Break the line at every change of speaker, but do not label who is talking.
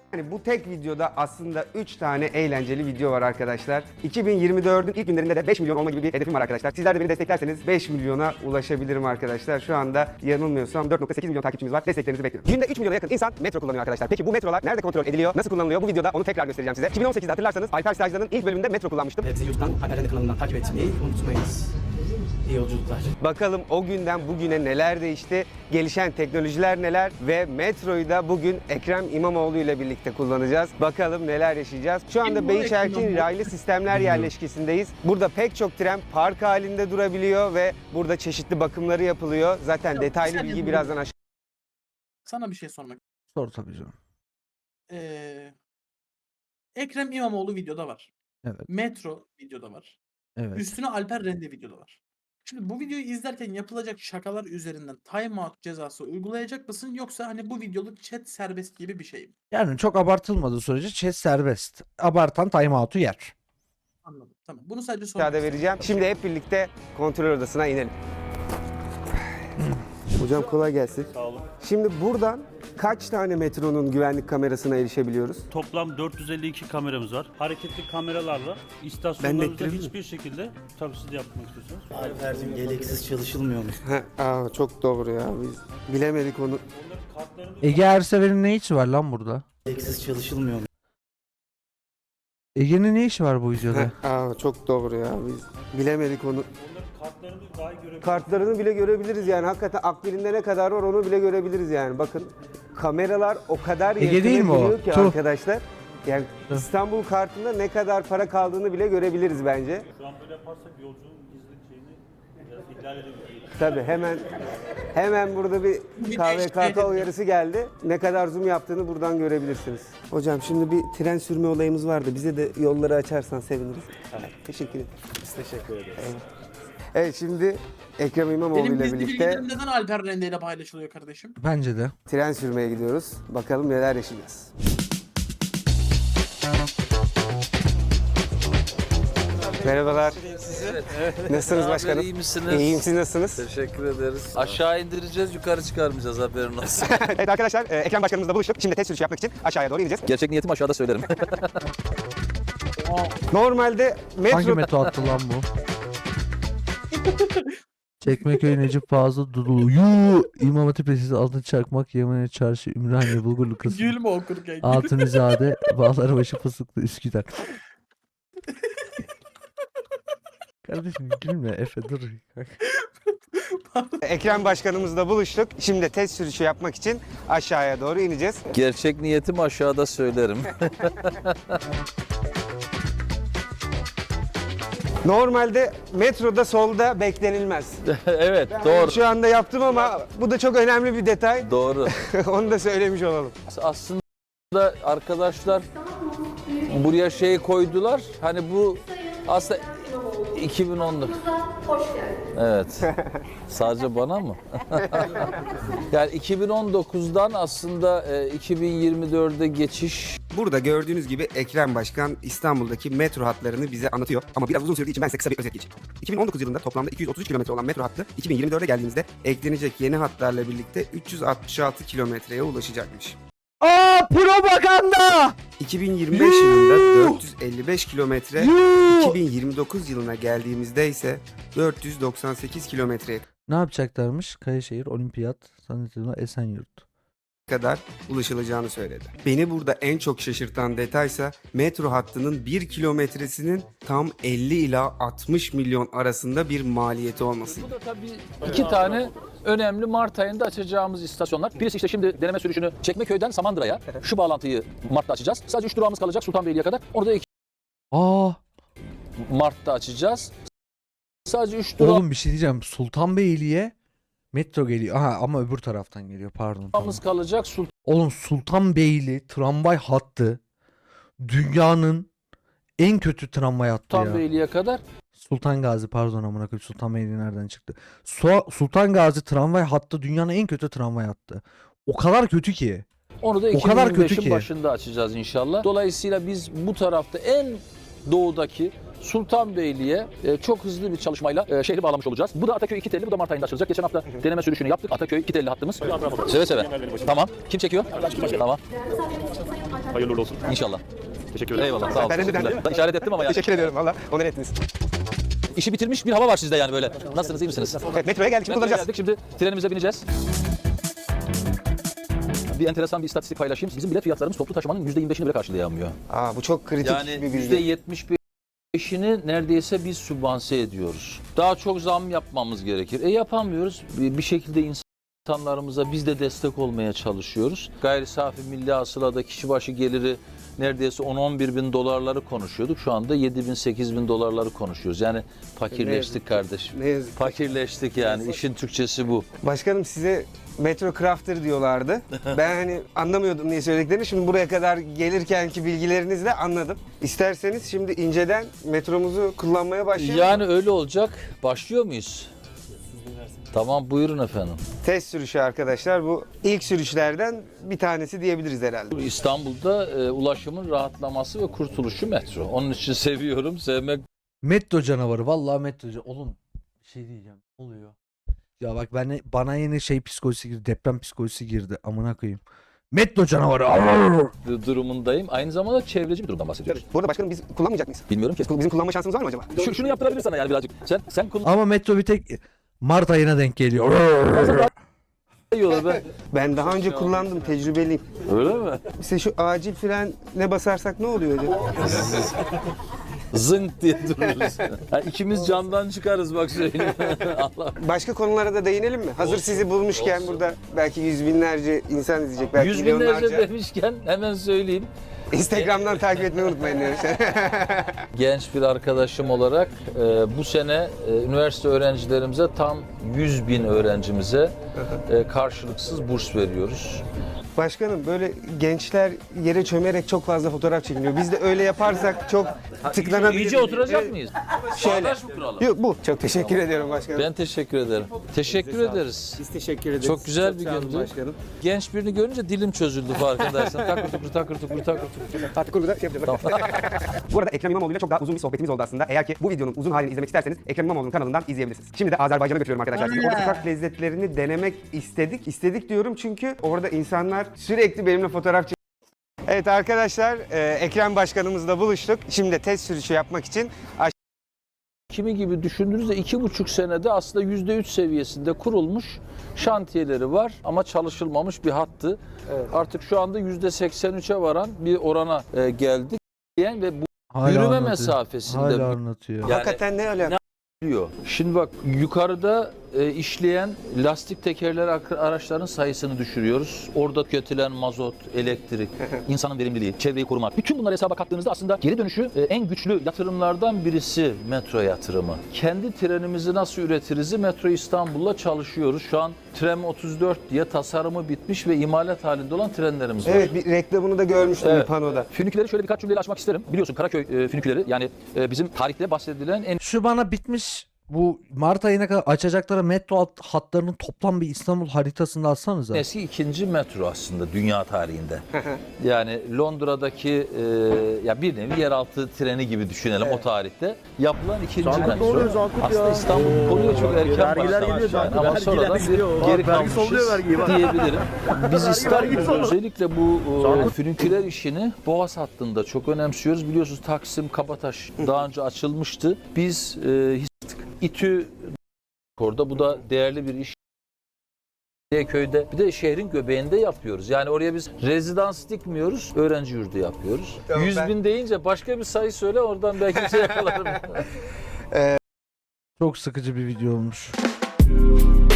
Yani bu tek videoda aslında 3 tane eğlenceli video var arkadaşlar. 2024'ün ilk günlerinde de 5 milyon olma gibi bir hedefim var arkadaşlar. Sizler de beni desteklerseniz 5 milyona ulaşabilirim arkadaşlar. Şu anda yanılmıyorsam 4.8 milyon takipçimiz var. Desteklerinizi bekliyorum. Günde 3 milyona yakın insan metro kullanıyor arkadaşlar. Peki bu metrolar nerede kontrol ediliyor? Nasıl kullanılıyor? Bu videoda onu tekrar göstereceğim size. 2018'de hatırlarsanız Alper Stajlı'nın ilk bölümünde metro kullanmıştım.
Bizi YouTube'dan Alper kanalından takip etmeyi unutmayınız. İyi yolculuklar.
Bakalım o günden bugüne neler değişti, gelişen teknolojiler neler ve metroyu da bugün Ekrem İmamoğlu ile birlikte kullanacağız. Bakalım neler yaşayacağız. Şu anda Beyşerkin raylı sistemler yerleşkesindeyiz. Burada pek çok tren park halinde durabiliyor ve burada çeşitli bakımları yapılıyor. Zaten detaylı bilgi birazdan aşağı.
Sana bir şey sormak.
Sor tabii canım.
Ekrem İmamoğlu videoda var.
Evet.
Metro videoda var.
Evet.
Üstüne Alper Rende videoda var. Şimdi bu videoyu izlerken yapılacak şakalar üzerinden timeout cezası uygulayacak mısın, yoksa hani bu videoluk chat serbest gibi bir şey mi?
Yani çok abartılmadığı sürece chat serbest. Abartan timeout'u yer.
Anladım. Tamam. Bunu sadece sormak
Aşağıda vereceğim. Şimdi hep birlikte kontrol odasına inelim. Hocam kolay gelsin.
Sağ olun.
Şimdi buradan kaç tane metronun güvenlik kamerasına erişebiliyoruz?
Toplam 452 kameramız var. Hareketli kameralarla
Ben
istasyonlarımızda
nettireyim mi?
hiçbir şekilde, tabii siz de yapmak istiyorsanız.
Alper'cim gereksiz çalışılmıyormuş.
Çok doğru ya. Biz bilemedik onu.
Onların kartlarını
Ege Ersever'in ne işi var lan burada?
Gereksiz çalışılmıyormuş.
Ege'nin ne işi var bu videoda?
Çok doğru ya. Biz bilemedik onu.
onların kartlarını daha görebilirsiniz.
Kartlarını bile görebiliriz yani. Hakikaten akbilinde ne kadar var onu bile görebiliriz yani. Bakın kameralar o kadar
Ege
yakına
değil mi o?
geliyor ki
Tuh.
arkadaşlar. Yani İstanbul kartında ne kadar para kaldığını bile görebiliriz bence.
Şu an böyle yaparsak yolculuğun gizlilik şeyini biraz ihlal edebiliriz.
Tabii hemen burada bir KVKK uyarısı geldi. Ne kadar zoom yaptığını buradan görebilirsiniz. Hocam şimdi bir tren sürme olayımız vardı. Bize de yolları açarsan seviniriz. Teşekkür ederim.
Biz teşekkür ederiz.
Evet şimdi Ekrem İmamoğlu
Benim
ile
gizli
birlikte
bilgilerim neden Alper Rende ile paylaşılıyor kardeşim?
Bence de.
tren sürmeye gidiyoruz. Bakalım neler yaşayacağız. Merhabalar. Nasılsınız başkanım?
İyi misiniz?
İyiyim, siz nasılsınız?
Teşekkür ederiz. Aşağı indireceğiz, yukarı çıkarmayacağız, haberin olsun.
Evet arkadaşlar, Ekrem başkanımızla buluştuk. Şimdi test sürüşü yapmak için aşağıya doğru ineceğiz.
Gerçek niyetim aşağıda söylerim.
Normalde
Hangi
metroda
metro attı lan bu? Çekmeköy, Necip Fazıl, Dudullu, İmam Hatip Lisesi, Altın Çakmak, Yemene Çarşı, Ümraniye, Bulgurlu, Kısım,
Gülme okurken.
Altunizade, Bağlarbaşı, Fıstıklı, Üsküdar. Kardeşim gülme Efe dur.
Ekrem başkanımızla buluştuk. Şimdi test sürüşü yapmak için aşağıya doğru ineceğiz.
Gerçek niyetim aşağıda söylerim.
Normalde metroda solda beklenilmez.
Evet, doğru.
Şu anda yaptım ama bu da çok önemli bir detay.
Doğru.
Onu da söylemiş olalım.
Aslında arkadaşlar buraya şey koydular. Hani bu aslında 2010'da. Evet. Sadece bana mı? Yani 2019'dan aslında 2024'e geçiş.
Burada gördüğünüz gibi Ekrem Başkan İstanbul'daki metro hatlarını bize anlatıyor. Ama biraz uzun sürdüğü için ben size kısa bir özet geçeyim. 2019 yılında toplamda 233 kilometre olan metro hattı 2024'e geldiğimizde eklenecek yeni hatlarla birlikte 366 kilometreye ulaşacakmış.
Aa propaganda!
2025 yılında 455 kilometre, 2029 yılına geldiğimizde ise 498 kilometreye
Ne yapacaklarmış? Kayaşehir, Olimpiyat, Sanatçılar, Esenyurt.
kadar ulaşılacağını söyledi. Beni burada en çok şaşırtan detaysa metro hattının 1 kilometresinin tam 50 ila 60 milyon arasında bir maliyeti olması.
Bu da tabii iki tane önemli Mart ayında açacağımız istasyonlar. Birisi işte şimdi deneme sürüşünü Çekmeköy'den Samandıra'ya, şu bağlantıyı Mart'ta açacağız. Sadece 3 durağımız kalacak Sultanbeyli'ye kadar. Onu da 2
Aa
Mart'ta açacağız. Sadece 3 durağımız
oğlum bir şey diyeceğim. Sultanbeyli'ye metro geliyor. Aha ama öbür taraftan geliyor pardon. Tamam.
kalacak.
Oğlum Sultanbeyli tramvay hattı dünyanın en kötü tramvay hattı ya.
Sultanbeyli'ye kadar.
Sultan Gazi pardon amına koyayım Sultanbeyli nereden çıktı? Sultan Gazi tramvay hattı dünyanın en kötü tramvay hattı. O kadar kötü ki.
Onu da
O kadar kötü
2025'in
ki.
başında açacağız inşallah. Dolayısıyla biz bu tarafta en doğudaki Sultanbeyli'ye çok hızlı bir çalışmayla şehri bağlamış olacağız. Bu da Ataköy 2 telli, bu da Mart ayında açılacak. Geçen hafta deneme sürüşünü yaptık. Ataköy 2 telli hattımız. Seve seve. Tamam. Kim çekiyor? Tamam.
Hayırlı uğurlu olsun.
İnşallah.
Teşekkür ederim.
Eyvallah. Sağ olun.
Ben de
Teşekkürler.
beğendim.
Ben işaret ettim ama yani.
Teşekkür ediyorum valla. Onur ettiniz.
İşi bitirmiş bir hava var sizde yani böyle. Nasılsınız, iyi misiniz?
Evet, metroya geldik. Şimdi
Metroya
kullanacağız.
geldik, şimdi trenimize bineceğiz. Bir enteresan bir istatistik paylaşayım. Bizim bilet fiyatlarımız toplu taşımanın %25'ini bile karşılayamıyor.
Aa, bu çok kritik
Yani
bir bilgi.
%75'ini neredeyse biz sübvanse ediyoruz. Daha çok zam yapmamız gerekir. Yapamıyoruz. Bir şekilde insanlarımıza biz de destek olmaya çalışıyoruz. Gayri safi milli hasılada kişi başı geliri neredeyse 10-11 bin dolarları konuşuyorduk. Şu anda 7 bin 8 bin dolarları konuşuyoruz. Yani fakirleştik kardeşim.
Ne yazık ki.
Fakirleştik yani. İşin Türkçesi bu.
Başkanım size Metro Crafter diyorlardı. Ben hani anlamıyordum niye söylediklerini. Şimdi buraya kadar gelirkenki bilgilerinizle anladım. İsterseniz şimdi inceden metromuzu kullanmaya başlayalım.
Yani öyle olacak. Başlıyor muyuz? Tamam, buyurun efendim.
Test sürüşü arkadaşlar. Bu ilk sürüşlerden bir tanesi diyebiliriz herhalde.
İstanbul'da ulaşımın rahatlaması ve kurtuluşu metro. Onun için seviyorum, sevmek.
Metro canavarı. Vallahi metro canavarı. Oğlum bir şey diyeceğim. Ne oluyor? Ya bak bana yine şey psikolojisi girdi. Deprem psikolojisi girdi. Amına koyayım. Metro canavarı. Arr!
durumundayım. Aynı zamanda çevreci bir durumdan bahsediyoruz.
Bu arada başkanım biz kullanmayacak mıyız?
Bilmiyorum ki.
Bizim kullanma şansımız var mı acaba?
Şunu yaptırabilir sana yani birazcık. Sen kullan.
Ama metro bir tek Mart ayına denk geliyor.
İyi olur be.
Ben daha önce kullandım, tecrübeliyim.
Öyle mi?
İşte şu acil fren ne basarsak ne oluyor acaba?
Zınk diye dururuz. Yani ikimiz camdan çıkarız bak söyleyeyim. Allah.
Başka konulara da değinelim mi? Hazır sizi bulmuşken burada belki yüz binlerce insan izleyecek, belki
Yüz binlerce
milyonlarca.
demişken hemen söyleyeyim.
Instagram'dan takip etmeyi unutmayın diyoruz.
Genç bir arkadaşım olarak bu sene üniversite öğrencilerimize tam 100 bin öğrencimize karşılıksız burs veriyoruz.
Başkanım böyle gençler yere çömerek çok fazla fotoğraf çekiliyor. Biz de öyle yaparsak çok tıklanabilir.
İyice oturacak
Evet.
mıyız?
Şöyle.
Bağdaş mı kuralım?
Yok bu. Çok teşekkür ediyorum başkanım.
Ben teşekkür ederim. Teşekkür ederiz.
Biz teşekkür ederiz.
Çok güzel bir
sağ olun
gündü.
başkanım.
Genç birini görünce dilim çözüldü farkındaysan. Takır tukur takır tukur takır tukur.
Artık burada şey yapacağız. Bu arada Ekrem İmamoğlu ile çok daha uzun bir sohbetimiz oldu aslında. Eğer ki bu videonun uzun halini izlemek isterseniz Ekrem İmamoğlu'nun kanalından izleyebilirsiniz. Şimdi de Azerbaycan'a götürüyorum arkadaşlar. Sizi orada sokak lezzetlerini denemek istedik. İstedik diyorum çünkü orada insanlar sürekli benimle fotoğraf çekiyor. Evet arkadaşlar, Ekrem Başkanımızla buluştuk. Şimdi de test sürüşü yapmak için
Kimi gibi düşündüğünüzde 2,5 senede aslında %3 seviyesinde kurulmuş şantiyeleri var ama çalışılmamış bir hattı. Artık şu anda %83'e varan bir orana geldik. Ve bu
Hala
yürüme
anlatıyor.
mesafesinde
Hala anlatıyor.
Yani-
hakikaten ne öyle?
diyor. Şimdi bak yukarıda işleyen lastik tekerleri araçların sayısını düşürüyoruz. Orada tüketilen mazot, elektrik, insanın verimliliği, çevreyi korumak. Bütün bunları hesaba kattığınızda aslında geri dönüşü en güçlü yatırımlardan birisi metro yatırımı. Kendi trenimizi nasıl üretiriz? Metro İstanbul'la çalışıyoruz. Şu an Trem 34 diye tasarımı bitmiş ve imalat halinde olan trenlerimiz var.
Evet, bir reklamını da görmüştüm bir panoda.
Füniküleri şöyle birkaç cümleyle açmak isterim. Biliyorsun Karaköy füniküleri yani bizim tarihte bahsedilen en
Şu bana bitmiş bu Mart ayına kadar açacakları metro hatlarının toplam bir İstanbul haritasını atsanıza.
eski ikinci metro aslında dünya tarihinde. Yani Londra'daki ya bir nevi yeraltı treni gibi düşünelim o tarihte. Yapılan ikinci metro.
oluyor, Zankut
Aslında
ya.
İstanbul konuya çok erken
Vergiler
başlamış
geliyor,
yani.
Zankut.
Ama sonradan
Vergiler gidiyor.
bir geri
Vergisi
kalmışız
oluyor, vergi var.
diyebilirim. Biz İstanbul'da özellikle bu füniküler işini Boğaz hattında çok önemsiyoruz. Biliyorsunuz Taksim, Kabataş daha önce açılmıştı. Biz İTÜ orada bu da değerli bir iş. Köyde bir de şehrin göbeğinde yapıyoruz. Yani oraya biz rezidans dikmiyoruz, öğrenci yurdu yapıyoruz.
Tamam,
100 bin deyince başka bir sayı söyle oradan belki bir şey yakalarım.
Çok sıkıcı bir video olmuş.